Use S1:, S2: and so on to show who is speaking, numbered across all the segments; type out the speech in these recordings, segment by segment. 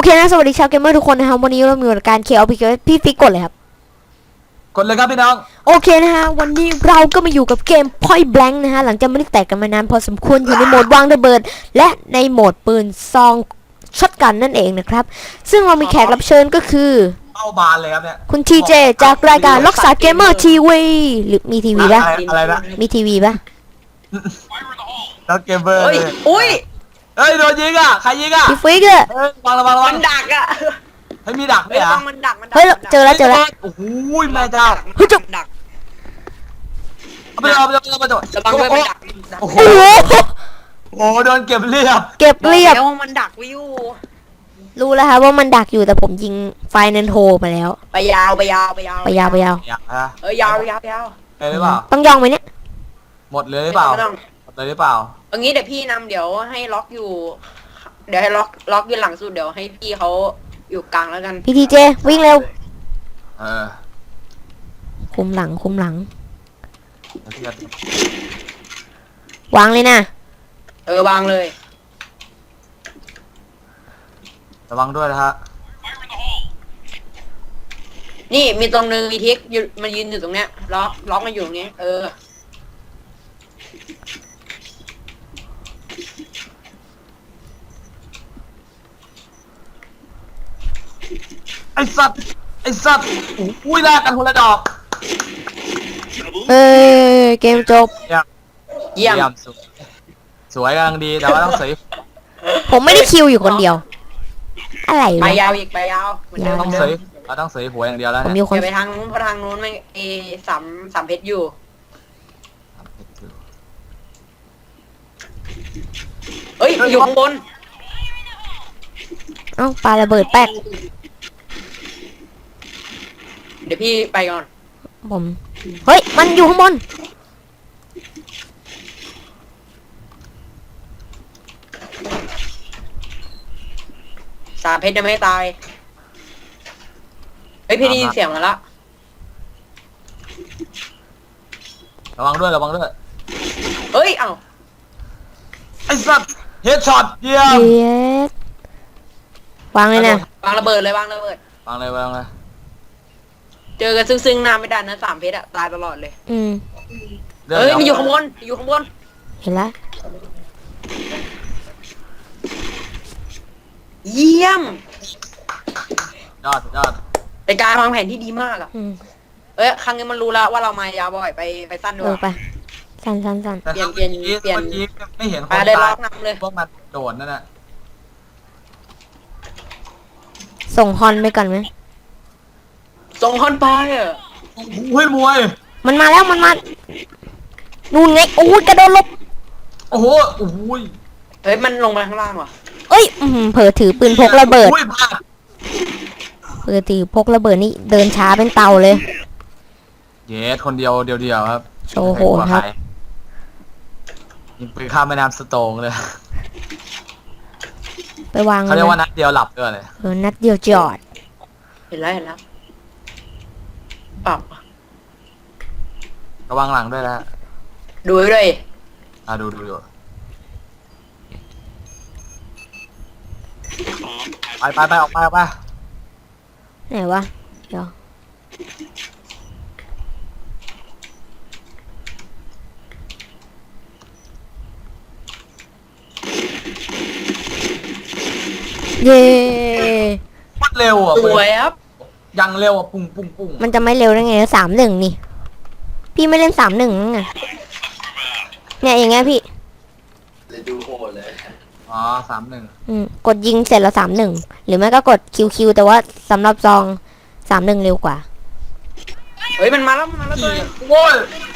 S1: เคนะสวัสดีชาวเกมเมอร์ทุกคนนะครับวันนี้เรามีรายการเคอพี่ฟิกกดเลยครับ
S2: กดเลยครับพี่น้อง
S1: โอเคนะฮะวันนี้เราก็มาอยู่กับเกม Point Blank นะฮะหลังจากไม่ได้แตกกันมานานพอสมควรอยู่ในโหมดวางระเบิดและในโหมดปืนซองช็อตกันนั่นเองนะครับซึ่งเรามีแขกรับเชิญก็คือ
S2: เข้าบานเลยครับเนี่ย
S1: คุณทีเจจากรายการล็อกสาเกมเมอร์ทีวีหรือมีทีวีป่ะ
S2: อะไรนะ
S1: มีทีวีป่ะ
S2: แล้วเกมเบอร์
S3: อุ้ย
S2: เฮ้ยโดนยิงอ่ะใครยิงอ่ะ
S1: พี่ฟิกอะ
S2: วางระวัง
S3: มันดักอ่ะ
S2: เฮ้ยมีดักด้วยอ่ะ
S3: มันดัก
S1: เฮ้ยเจอแล้ว
S2: โอ้โหแม่เจ้า
S1: เฮ้ยจุก
S3: ดัก
S2: เอาไปเอา
S3: ระวังด้วยมันดัก
S2: โอ้โห
S1: โอ้โห
S2: โดนเก็บเรียบ
S1: เก็บเรียบ
S3: แล้วมันดักวิว
S1: รู้แล้วครับว่ามันดักอยู่แต่ผมยิงไฟนันโทมาแล้ว
S3: ไปยาว
S1: ยาว
S3: ยาว
S1: ยาว
S2: ไปหรือเปล่า
S1: ต้องย่องไหมเนี่ย
S2: หมดเลยหรือเปล่าหมดเลยหรือเปล่า
S3: เอางี้เดี๋ยวพี่นำเดี๋ยวให้ล็อกอยู่เดี๋ยวให้ล็อกอยู่หลังสุดเดี๋ยวให้พี่เขาอยู่กลางแล้วกัน
S1: พี่ทีเจวิ่งเร็ว
S2: เออ
S1: คุมหลังวางเลยนะ
S3: วางเลย
S2: ระวังด้วยนะฮะ
S3: นี่มีตรงนึงมีทิกมันยืนอยู่ตรงเนี้ยล็อกมันอยู่ตรงนี้
S2: ไอ้สัตว์อุ้ยแลกกันคนละดอก
S1: เกมจบ
S3: เยี่ยม
S2: สวยกำลังดีแต่ว่าต้องสวย
S1: ผมไม่ได้คิวอยู่คนเดียวอะไร
S3: ไปยาวอีกไปยาว
S2: ต้องสวยเราต้องสวยหัวอย่างเดียวแล้ว
S1: เนี่ย
S3: ไปทางนู้นเพราะทางนู้นไม่สามเพชรอยู่เอ้ยอยู่ข้างบน
S1: เอ้าปาระเบิดแป๊ก
S3: เดี๋ยวพี่ไปก่อน
S1: ผมเฮ้ยมันอยู่ข้างบน
S3: สามเพชรยังไม่ตายเฮ้ยพี่ได้ยินเสียงมาแล้ว
S2: ระวังด้วย
S3: เฮ้ยเอ้า
S2: ไอ้สัตว์เฮดช็อตเยี่ยม
S1: วางเลยนะ
S3: วางระเบิดเจอกันซึ่งหน้าไม่ได้นะสามเพชรอะตายตลอดเลยเฮ้ยมันอยู่ข้างบน
S1: เห็นแล้ว
S3: เยี่ยม
S2: ยอด
S3: เป็นการวางแผนที่ดีมากอะครั้งนี้มันรู้แล้วว่าเรามายาวบ่อยไปสั้นด้วย
S1: ไปสั้น
S3: เปลี่ยน
S2: ไม่เห็นคน
S3: ตายเลย
S2: พวกมันโดดนั่นแหละ
S1: ส่งฮอนไปก่อนไหม
S3: ส่งฮอนไปอ่ะ
S2: เฮ้ยมวย
S1: มันมาแล้วนู่นไงโอ้ยกระโดดลบ
S2: โอ้โห
S3: เฮ้ยมันลงไปข้างล่างว่ะ
S1: เอ้ยเผลอถือปืนพกระเบิดเผลอถือพกระเบิดนี่เดินช้าเป็นเตาเลย
S2: เยสคนเดียวครับ
S1: โชว์โหดครับ
S2: ยิงปืนข้ามแม่น้ำสโตงเลย
S1: ไปวาง
S2: เขาเรียกว่านัดเดียวหลับด้วยเลย
S1: นัดเดียวจอด
S3: เห็นแล้วปรับ
S2: ระวังหลังด้วยนะ
S3: ดูด้วย
S2: ดูไปออกไป
S1: ไหนวะเดี๋ยวเย้
S2: มันเร็วอ่ะ
S3: สวยครับ
S2: ยังเร็วอ่ะปุ้ง
S1: มันจะไม่เร็วได้ไง3-1นี่พี่ไม่เล่น3-1นั่นไงเนี่ยอย่างเงี้ยพี่
S2: เลยดูโหดเลย
S1: 3-1กดยิงเสร็จแล้ว3-1หรือไม่ก็กดคิวแต่ว่าสำหรับซอง3-1เร็วกว่า
S3: เฮ้ยมันมาแล้วตัว
S2: โว้ย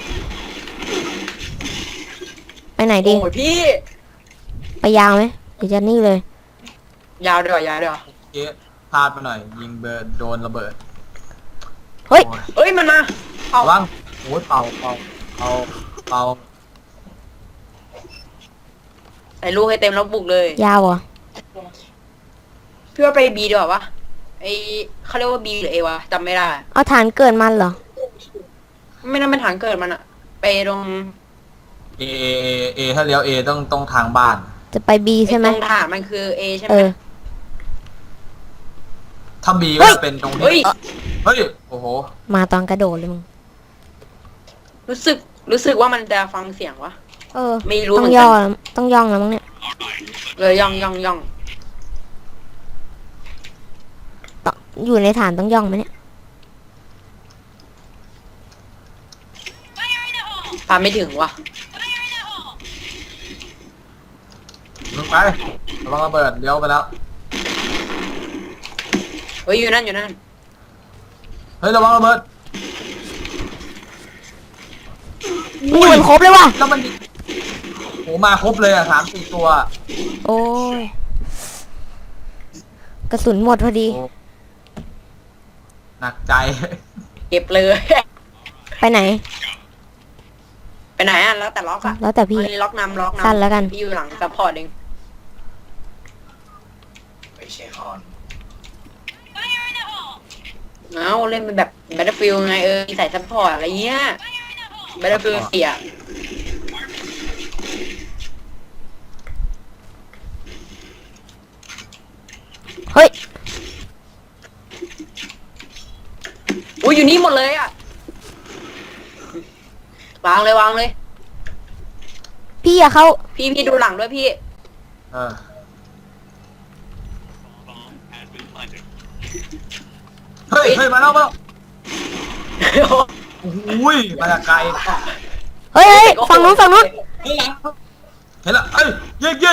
S1: ไปไหนดี
S3: โอ้ยพี่
S1: ไปยาวไหมหรือจะนี่เลย
S3: ยาวด้วย
S2: พลาดไปหน่อยยิงเบิร์ดโดนระเบิด
S1: เฮ้ย
S3: มันมา
S2: ว่างโอ้ยเป่า
S3: ใส่ลูกให้เต็มแล้วบุกเลย
S1: ยาวอ่ะ
S3: เพื่อไปบีดีกว่าวะเขาเรียกว่าบีหรือเอวะจำไม่ได้
S1: เอาฐานเกิดมันเหรอ
S3: ไม่น่าเป็นฐานเกิดมันอะไปตรง
S2: เอถ้าเลี้ยวเอต้องทางบ้าน
S1: จะไปบีใช่ไหม
S3: ตรงฐานมันคือเอใช่ไหม
S2: ถ้าบีก็จะเป็นตรง
S3: เฮ้ย
S2: ที่เฮ้ยโอ้โห
S1: มาตอนกระโดดเลยมึง
S3: รู้สึกว่ามันจะฟังเสียงวะ
S1: เออ
S3: ไม่รู้
S1: ต้
S3: เห
S1: อ
S3: มื
S1: ง
S3: อน
S1: ย่
S3: กั
S1: อน ต้องย่องแล้วมั้งเนี่ย
S3: เลยย่อง
S1: ต้องอยู่ในฐานต้องย่องไหมเนี่ย
S3: ปาไม่ถึงวะ
S2: ลงไประวังระเบิดเลี้ยวไปแล้ว
S3: เฮ้ยอยู่นั่น
S2: เฮ้ยระวังระเบิด
S1: นี่มันครบเลยว่ะ
S2: แล้วมันโหมาครบเลยอ่ะ3-4 ตัว
S1: โอ้ย กระสุนหมดพอดี
S2: โอ้หนักใจ
S3: เก็บเลย
S1: ไปไหน
S3: ไปไหนอ่ะแล้วแต่ล็อกอ่ะ
S1: แล้วแต่พี่
S3: เฮ้ยล็อกนำ
S1: สั้นแล้วกัน
S3: พี่อยู่หลังซัพพอร์ตเอง
S2: ไม่ใช่ฮอน
S3: เอาเล่นเป็นแบบ Battlefield ไงใส่ซัพพอร์ตอะไรเงี้ย Battlefield เสีย
S1: เฮ้ย
S3: อุ้ยอยู่นี่หมดเลยอ่ะ วางเลย
S1: พี่อย่าเข้า
S3: พี่ดูหลังด้วยพี่
S2: เออเฮ้ยมาแล้วโอ้ยมาจากไกล
S1: เฮ้ยฝั่งนู้น
S2: เห็นแล้วเอ้ยยิง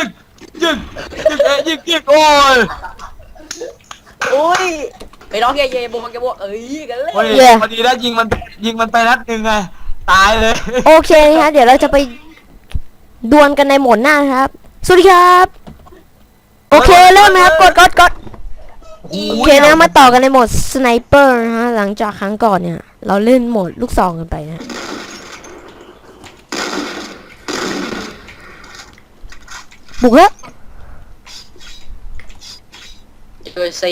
S2: โอ้ย
S3: โอ้ยไปร้องเย่โบเอ้ยกันเลย
S2: โอ้ยพอดีแล้วยิงมันไปนัดหนึ่งไงตายเลย
S1: โอเคนะคะเดี๋ยวเราจะไปดวลกันในโหมดหน้านะครับ สวัสดีครับ โอเคเริ่มนะครับกดโอเคนะมาต่อกันในโหมดสไนเปอร์นะฮะหลังจากครั้งก่อนเนี่ย เราเล่นโหมดลูกซองกันไปนะบุกแล้ว
S3: ตัวซี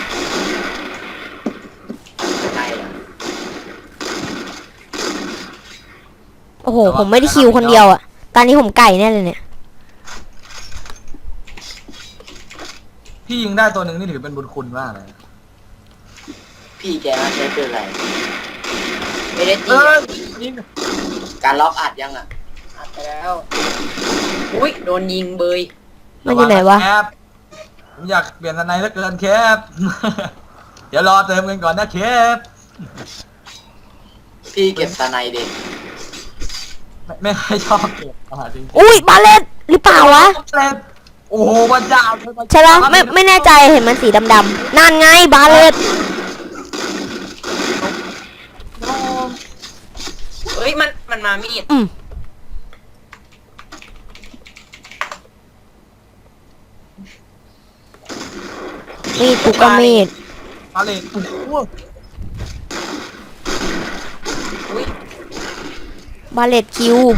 S3: ใช่อะ
S1: โอ้โหผมไม่ได้คิวคนเดียวอ่ะตอนนี้ผมไก่แน่เลยเนี่ย
S2: พี่ยิงได้ตัวหนึ่งนี่ถือเป็นบุญคุณมากเลย
S4: พี่แกใช้ปืนอะไร
S3: ไม่ได้
S2: เอ
S3: ตี
S2: อยิง
S4: การล็อกอัดยังอ่ะ
S3: อัดไปแล้ว อุ้ยโดนยิงเบย
S1: มันอยู่ไหนวะ
S2: แคปผมอยากเปลี่ยนอะไรเหลือเกินแคป เดี๋ยวรอเติมเงินก่อนนะแคป
S4: พี่เก็บสไนเด็ก
S2: ไม่ค่อยชอบเก็บจริง
S1: อุ้ยบาเลตหรือเปล่าวะ
S2: ๆเล่นโอ้โหพระเจ้า
S1: ใช่ปะไม่แน่ใจเห็นมันสีดำๆนั่นไงบาเลต
S3: เฮ้ยมันมามีด
S1: มีดกูก็มีด
S2: มาเลยโอ้โห
S3: อุ้ย
S1: บาเลตคิว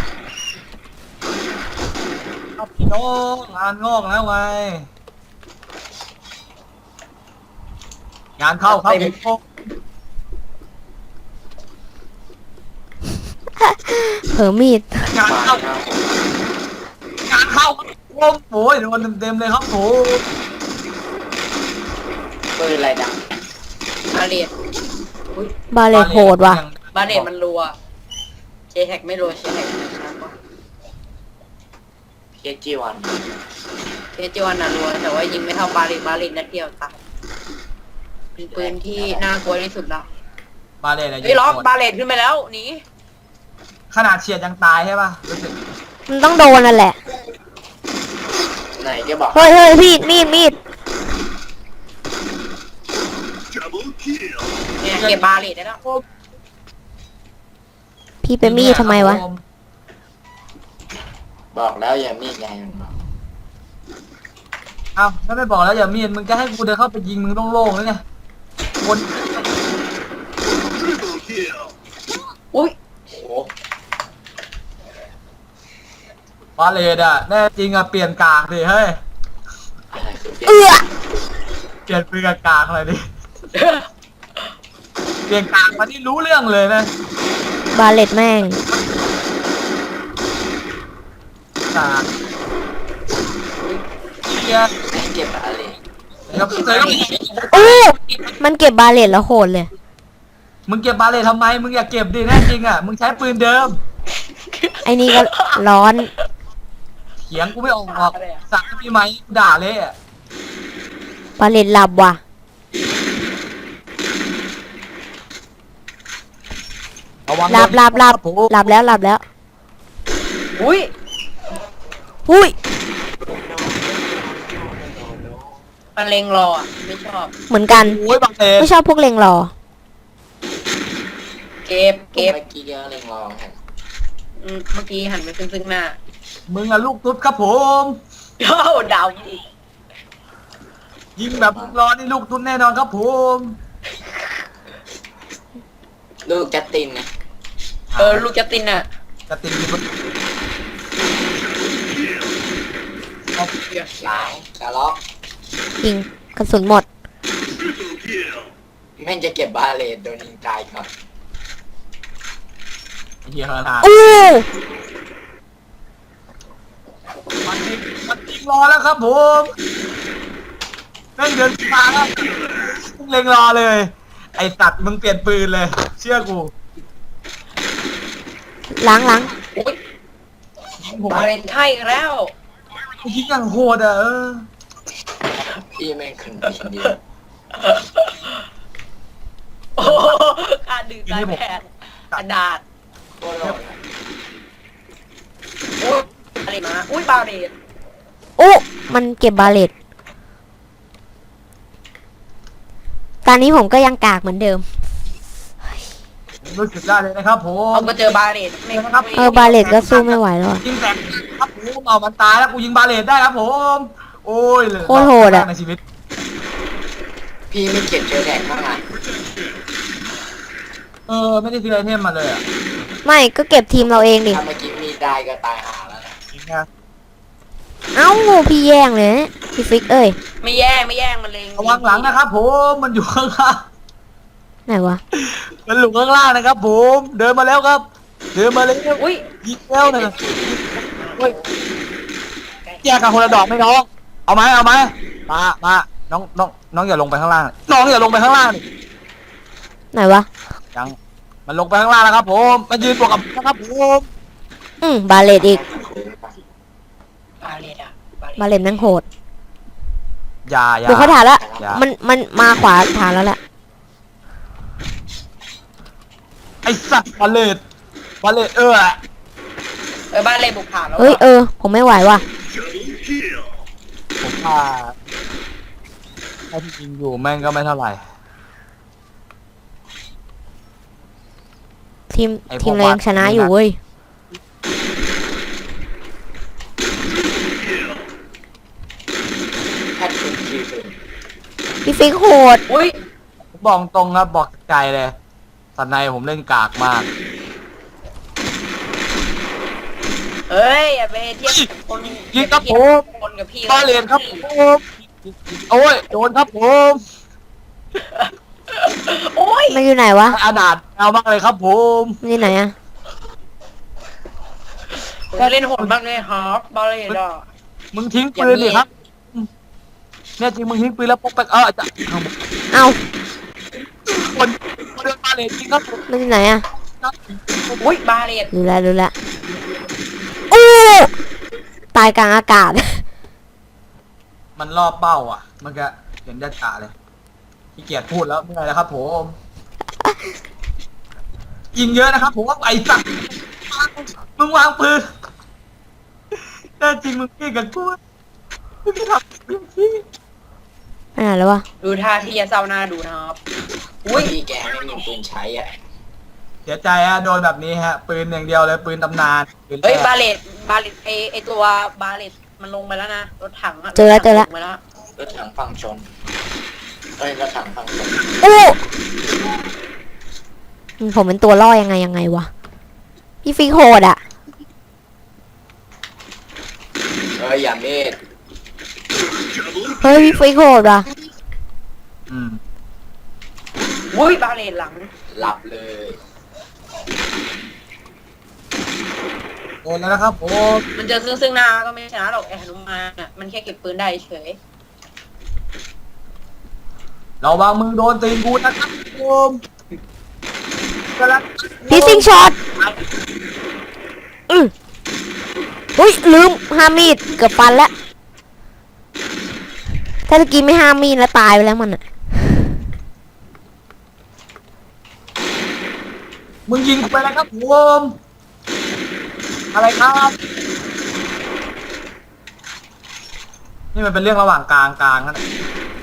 S2: เอาพี่น้องงานงอกแล้วไงงานเข้าครับผม
S1: เผลอมีด
S2: งาน
S4: มา
S2: เข้า
S4: ครับ
S2: งานเข้าครับผมโอ้ยโดนเต็มๆเลยครับผม
S4: ปืนอะไรดัง
S3: บาเลตอุ้ย
S1: บาเลตโหดว่ะ
S3: บาเลตมันรัวเจแฮกไม่รัวเจแฮกช้ากว่า
S4: พีเอจีวัน
S3: เจจวนน่ะรัวแต่ว่ายิงไม่เท่าบาเลตนัดเดียวตายเป็นปืนที่น่ากลัวที่สุดแล้ว
S2: บาเลตอะไร
S3: เฮ้ยล็อกบาเลตขึ้นไปแล้วหนี
S2: ขนาดเฉียดยังตายใช่ป่ะรู้สึก
S1: มันต้องโดนนั่นแหละ
S4: ไหนแกบอก
S1: เฮ้ยพี่มีด
S3: เนี่ยเก็บบาเลตได้แล้ว
S1: พี่เป็นมีดทำไมวะ
S4: บอกแล้วอย่ามีดไงมันบอก
S2: เอ้าถ้าไม่บอกแล้วอย่ามีดมึงจะให้กูเดินเข้าไปยิงมึงต้องโล่งเลยไงคน
S3: อุ้ย
S4: โอ้โห
S2: บาเลตอ่ะแน่จริงอ่ะเปลี่ยนกากดิเฮ้ย
S4: อะไรคือเปลี่ยน
S1: เอื้อ
S2: เปลี่ยนปืนกับกากอะไรดิเปลี่ยนกากมาที่รู้เรื่องเลยนะ
S1: บาเลตแม่ง
S2: กากเกียร์
S4: ไหนเก็บอะไร
S2: แล้วก็
S1: โอ้มันเก็บบาเลตแล้วโหดเลย
S2: มึงเก็บบาเลตทำไมมึงอย่าเก็บดิแน่จริงอ่ะมึงใช้ปืนเดิม
S1: ไอ้นี่ก็ร้อน
S2: เถียงกูไม่ออกหรอกสั่งมีไหมกูด่าเลยอ่ะ
S1: บาเลตหลับว่ะ
S2: ระวัง
S1: หลับ
S2: ผม
S1: หลับแล้ว
S3: อุ้ย
S1: หุ้ย
S3: มันเลงรออ่ะไม่ชอบ
S1: เหมือนกัน
S2: โอ้ยบาเลต
S1: ไม่ชอบพวกเลงรอ
S3: เก็บ
S4: เมื่
S3: เก็บ
S4: อกี้ก็เล็งลองฮะ
S3: เมื่อกี้หันไปซึ่งหน้า
S2: มึงอะลูกตุ๊ดครับผม
S3: โอ้ดาวอีก
S2: ยิงแบบรอนี่ลูกตุ๊ดแน่นอนครับผม
S4: ลูกจัสตินนะ
S3: ลูกจัสตินอ่ะ
S2: จะติดมี
S4: หลังกระล็อก
S1: ยิงกระสุนหมด
S4: แม่งจะเก็บบาเลตโดนยิงตายก่อน
S2: เฮียขนาด
S1: อู้
S2: มันยิงรอแล้วครับผมแม่งเดินมาแล้วมึงเล็งรอเลย ไอสัตว์มึงเปลี่ยนปืนเลย เชื่อกู
S1: ล้าง
S3: อุ้ย
S2: ยิงผม
S3: บาเลนไข่แล้ว
S2: ยิงอย่างโหดอ่ะ
S4: พี่แม่งคนดีเดียว
S3: โอ้การดื่มสายแผนกระดาษ
S4: โคตรโหดอะ
S3: อุ้ยอะไรมาอุ้ยบาเลน
S1: อู้มันเก็บบาเลตตอนนี้ผมก็ยังกากเหมือนเดิม
S2: รู้สึกได้เลยนะครับผม
S3: เอามาเจอบาเลนไม่ครับ
S1: บาเลตก็สู้ไม่ไหวแล้วอะ
S2: ยิงแตกครับผมเอามันตายแล้วกูยิงบาเลตได้ครับผม โอ้ยเลย
S1: โคตรโหดอะ
S2: ในชีวิต
S4: พี่ไม่เก็บเจอแดกบ้างอ่ะ
S2: ไม่ได้ซื้อไอเทมมาเลยอ่ะ
S1: ไม่ก็เก็บทีมเราเองดิ
S4: ถ้าเมื่อกี้มีได้ก็ตายหาแล้วนะ
S2: จริงนะ
S1: เอ้าพี่แย่งเลยนะพี่ฟิกเอ้ย
S3: ไม่แย่งมันเลง
S2: ระวังหลังนะครับผมมันอยู่ข้างล่าง
S1: ไหนวะ
S2: มันหลุมข้างล่างนะครับผมเดินมาแล้วครับ เดินมาแล้ว
S3: อุ้ย
S2: ยิงแล้วนะเฮ้ยแยกกันคนละดอกไหมน้องเอาไหมมาน้องอย่าลงไปข้างล่างน้องอย่าลงไปข้างล่างดิ
S1: ไหนวะ
S2: ยังมันลงไปข้างล่างแล้วครับผมมันยืนบวกกับนะครับผม
S1: บาเลตอีก
S3: บาเลนอ่ะ
S1: บาเลตนั่งโหด
S2: อย่า
S1: บุกเขาฐานแล้ว
S2: อย่า
S1: มันมาขวาฐานแล้วแหละ
S2: ไอสัตว์บาเลต
S3: บาเลนบุกผ่านแล้ว
S1: เฮ้ยผมไม่ไหวว่ะ
S2: ผมว่าถ้าที่จริงอยู่แม่งก็ไม่เท่าไหร่
S1: ทีม
S2: ไอ้พวก
S1: ทีมเรายังชนะอยู่เว้ย
S4: แพทย์คุณคิวเป็น
S1: พี่ฟิกโหด
S3: อุ้ย
S2: ผมบอกตรงครับบอกใจเลยสันในผมเล่นกากมาก
S3: เฮ้ยอย่าไปเทียบกับคน
S2: ยิงครับผม
S3: คนกับพี่
S2: บาเลตครับผมโอ้ยโดนครับผม
S3: โอ้ย
S1: มันอยู่ไหนวะ
S2: อาดาดเอามากเลยครับผม
S1: มันอยู่ไหนอะ
S3: เล่นโหดมากเลยครับบาเลนอ่ะ
S2: มึงทิ้งปืนดิครับเนี่ยจริงมึงทิ้งปืนแล้วปกไปจะ
S1: เอ้า
S2: คนเดินมาเลยจริงครับผม
S1: มันอยู่ไหนอะ
S3: อุ้ยบาเลน
S1: รู้แล้วอู้ตายกลางอากาศ
S2: มันรอบเป้าอ่ะ มันก็เห็นจ่าเลยขี้เกียจพูดแล้วไม่ไรแล้วครับผมยิงเยอะนะครับผมว่าไอ้สัตว์มึงวางปืนแต่จริงมึงพี่กับกูมึงไม่ทำมึงพี่
S1: ไปไหนแล้ววะ
S3: ดูท่าที่จะเศร้าหน้าดูนะครับอุ้ย
S4: พี่แกไม่มีปืนใช้อ่ะ
S2: เสียใจฮะโดนแบบนี้ฮะ ปืนอย่างเดียวเลยปืนตำนานปืน
S3: เฮ้ย
S2: แรก
S3: บาเลตไอตัวบาเลตมันลงไปแล้วนะรถถังอะ
S1: เจอแล้ว
S3: ลงไปแล้ว
S4: รถถังฝั่งชนเอ้ยรถถังฝั่งชน
S1: อู้ผมเป็นตัวล่อยังไงวะ พี่ฟิกโหดอะ
S4: เอ้ยอย่าเมด
S1: เฮ้ยพี่ฟิกโหดว่ะ
S2: อืม
S3: อุ้ยบาเลตหลัง
S4: หลับเลย
S2: โดนแล้วนะครับผม
S3: มันเจอซึ่งหน้าก็ไม่ชนะหรอกไอหนุมานอ่ะมันแค่เก็บปืนได้เฉย
S2: เราวางมือโดนตีนกูนะครับผมกำลัง
S1: พีซิงช็อตอุ้ยลืมห้ามมีดเกือบฟันแล้ว ถ้าตะกี้ไม่ห้ามมีดแล้วตายไปแล้วมันอะ
S2: มึงยิงกูไปแล้วครับผมอะไรครับ นี่มันเป็นเรื่องระหว่างกลางนั่นแหละ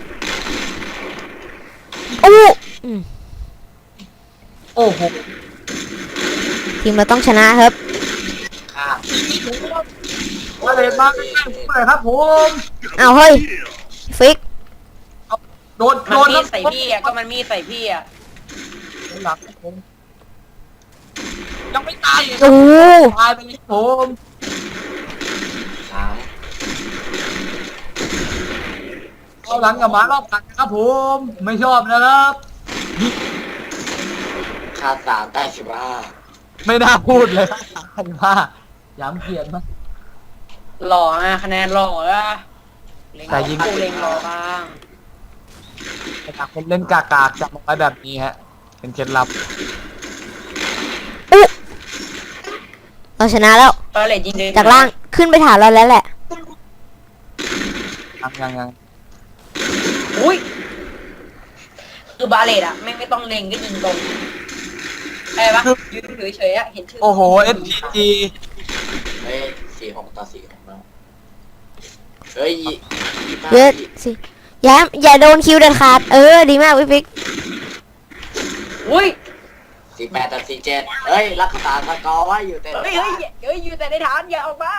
S1: อู้อืม
S2: โอ้โห
S1: ทีมเราต้องชนะครับ
S4: ข้าม
S2: มาเลยมาใกล้ๆผมเลยครับผม
S1: เอาเฮ้ย ฟิก
S2: โดน
S3: มันมีดใส่พี่อ่ะก็มันมีดใส่พี่อ่ะ
S2: หลังผมยังไม่ตายอีก
S1: โอ้โห
S2: ตายไปเลยผม
S4: สาม
S2: เอาหลังกับหมารอบกัดนะครับผม ไม่ชอบนะครับ
S4: ค่าสามได้15
S2: ไม่น่าพูดเลยว่าย้ำเกียรติมาก
S3: หล่ออ่ะคะแนนหล่ออ่ะเล็ง
S2: แต่ยิง
S3: กูเล็งหล่อบ้าง
S2: แต่ถ้าคนเล่นกากๆจับมาไว้แบบนี้ฮะ เป็นเคล็ดลับ
S1: อู้เราชนะแล้ว
S3: บาเลตยิงเลย
S1: จากล่างขึ้นไปฐานเราแล้วแหละ
S2: ยัง
S3: อุ้ยคือบาเลตอ่ะไม่ต้องเล็งก็ยิงตรงอะไรปะยืนเฉยๆอ่ะเห็นชื่อ
S2: โอ้โห SPG
S4: เฮ้ย46-46แล้วเฮ้ย25
S1: เยอะสิอย่าโดนคิวเด็ดขาด ดีมากพี่ฟิก
S3: อุ้ย
S4: 48-47เฮ้ยรักษาสกอร์ไว้อยู่แต่
S3: เฮ้ยอยู่แต่ในฐานอย่าออกมา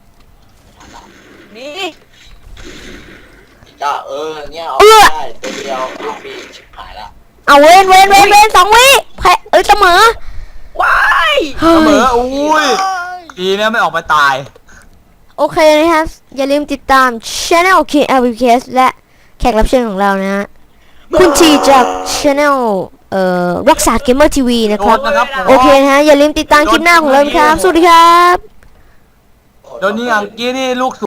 S3: นี่
S4: ก็เนี่ยออกได้ตัวเดียวลูกฟรีชิบหายละ
S1: เอาเว้น2 วิแพ้เสมอ
S3: ว้าย
S1: เฮ้
S2: เสมอย อุ้ยดีเนี่ยไม่ออกไปตาย
S1: โอเคนะครับ อย่าลืมติดตาม Channel KLVKS และแขกรับเชิญของเรานะฮะ คุณทีจาก Channel รักษาเกมเมอร์ทีวีนะครับ
S2: โดนนะครับผม
S1: โอเคนะฮะ อย่าลืมติดตามคลิปหน้าของเรานะครับ สวัสดีครับ
S2: โดนนี่อังกี้นี่ลูก